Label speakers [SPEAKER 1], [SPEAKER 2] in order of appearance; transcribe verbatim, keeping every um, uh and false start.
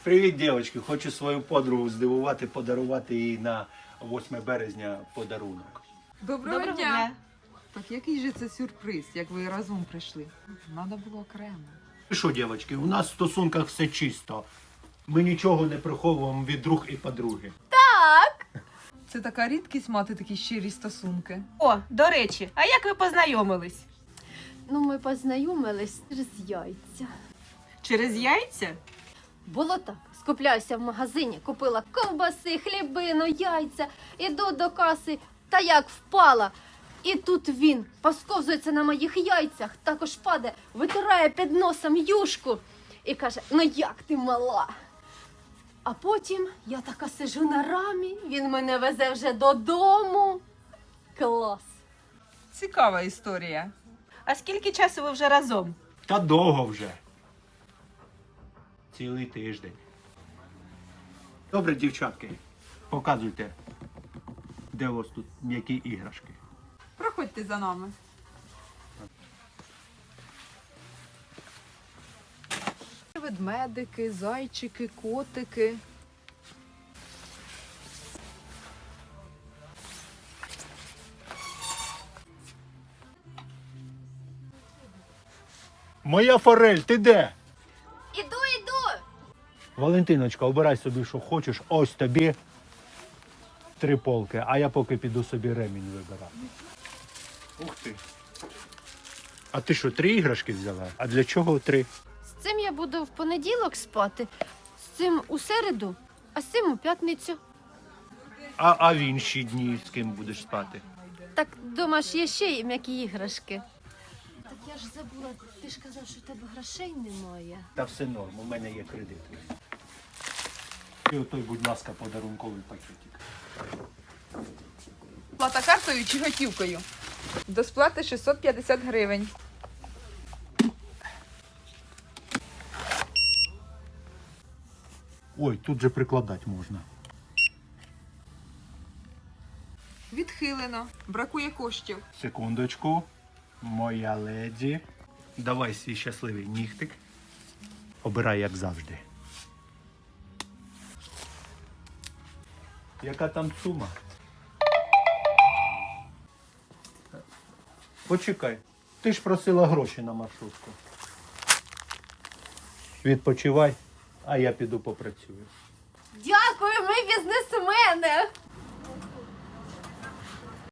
[SPEAKER 1] Привіт, дівчатки. Хочу свою подругу здивувати, подарувати їй на восьме березня подарунок.
[SPEAKER 2] Доброго,
[SPEAKER 3] Доброго
[SPEAKER 2] дня.
[SPEAKER 3] дня.
[SPEAKER 2] Так який же це сюрприз, як ви разом прийшли? Надо було окремо.
[SPEAKER 1] І що, дівчатки, у нас в стосунках все чисто. Ми нічого не приховуємо від друг і подруги.
[SPEAKER 2] Це така рідкість мати такі щирі стосунки.
[SPEAKER 3] О, до речі, а як ви познайомились?
[SPEAKER 4] Ну, ми познайомились через яйця.
[SPEAKER 3] Через яйця?
[SPEAKER 4] Було так. Скупляюся в магазині, купила ковбаси, хлібину, яйця, іду до каси, та як впала. І тут він посковзується на моїх яйцях, також падає, витирає під носом юшку і каже: ну як ти мала? А потім я така сижу на рамі, він мене везе вже додому. Клас!
[SPEAKER 2] Цікава історія.
[SPEAKER 3] А скільки часу ви вже разом?
[SPEAKER 1] Та довго вже. Цілий тиждень. Добре, дівчатки, показуйте, де у вас тут м'які іграшки.
[SPEAKER 2] Проходьте за нами. Ведмедики, зайчики, котики.
[SPEAKER 1] Моя форель, ти де?
[SPEAKER 4] Іду, іду!
[SPEAKER 1] Валентиночка, обирай собі, що хочеш. Ось тобі три полки, а я поки піду собі ремінь вибирати. Ух ти. А ти що, три іграшки взяла? А для чого три?
[SPEAKER 4] З цим я буду в понеділок спати, з цим у середу, а з цим у п'ятницю.
[SPEAKER 1] А, а в інші дні з ким будеш спати?
[SPEAKER 4] Так, думаєш, є ще й м'які іграшки? Так я ж забула, ти ж казав, що в тебе грошей немає.
[SPEAKER 1] Та все норм, у мене є кредит. І отой, будь ласка, подарунковий пакетик.
[SPEAKER 2] Плата картою чи готівкою? До сплати шістсот п'ятдесят гривень.
[SPEAKER 1] Ой, тут же прикладати можна.
[SPEAKER 2] Відхилено. Бракує коштів.
[SPEAKER 1] Секундочку. Моя леді. Давай свій щасливий нігтик. Обирай, як завжди. Яка там сума? Почекай. Ти ж просила гроші на маршрутку. Відпочивай, а я піду попрацюю.
[SPEAKER 4] Дякую, ми бізнесмени!